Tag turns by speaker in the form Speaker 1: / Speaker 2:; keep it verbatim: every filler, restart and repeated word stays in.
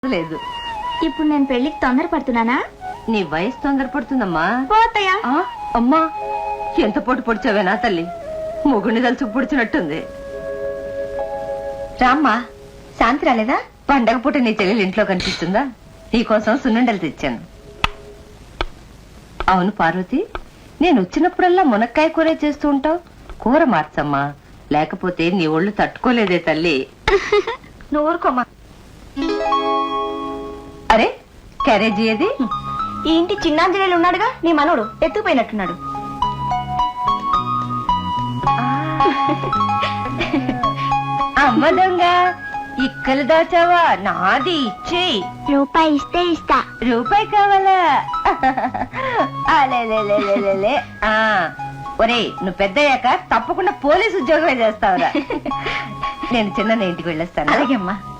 Speaker 1: లేదు.
Speaker 2: ఇప్పుడు నేను పెళ్లికి తొందర పడుతున్నానా?
Speaker 1: నీ వయసు తొందరపడుతుందమ్మా.
Speaker 2: పోతయ్యా.
Speaker 1: అమ్మా ఎంత పొట్టు పొడిచావేనా తల్లి, మొగుడిని తలుచుకు పొడిచినట్టుంది. రామ్మా, శాంతి రాలేదా? పండగ పూట నీ చెల్లెలు ఇంట్లో కనిపిస్తుందా? నీకోసం సున్నుండలు తెచ్చాను. అవును పార్వతి, నేను వచ్చినప్పుడల్లా మునక్కాయ కూర చేస్తూ ఉంటావు. కూర మార్చమ్మా, లేకపోతే నీ ఒళ్ళు తట్టుకోలేదే తల్లి.
Speaker 2: నువ్వు ఊరుకోమా.
Speaker 1: అరే క్యారేజీ ఏది?
Speaker 2: ఈ ఇంటి చిన్నాంజనేయులు ఉన్నాడుగా, నీ మనోడు ఎత్తుకుపోయినట్టున్నాడు.
Speaker 1: అమ్మ దొంగ, ఇక్కలు దాచావా? నాది ఇచ్చేయి.
Speaker 2: రూపాయి ఇస్తే ఇస్తా.
Speaker 1: రూపాయి కావాలా? అలేలేలేలేలే. ఆ ఒరే, నువ్వు పెద్దయ్యాక తప్పకుండా పోలీసు ఉద్యోగమే చేస్తావురా. నేను చిన్న ఇంటికి వెళ్ళొస్తాను.
Speaker 2: అలాగే అమ్మా.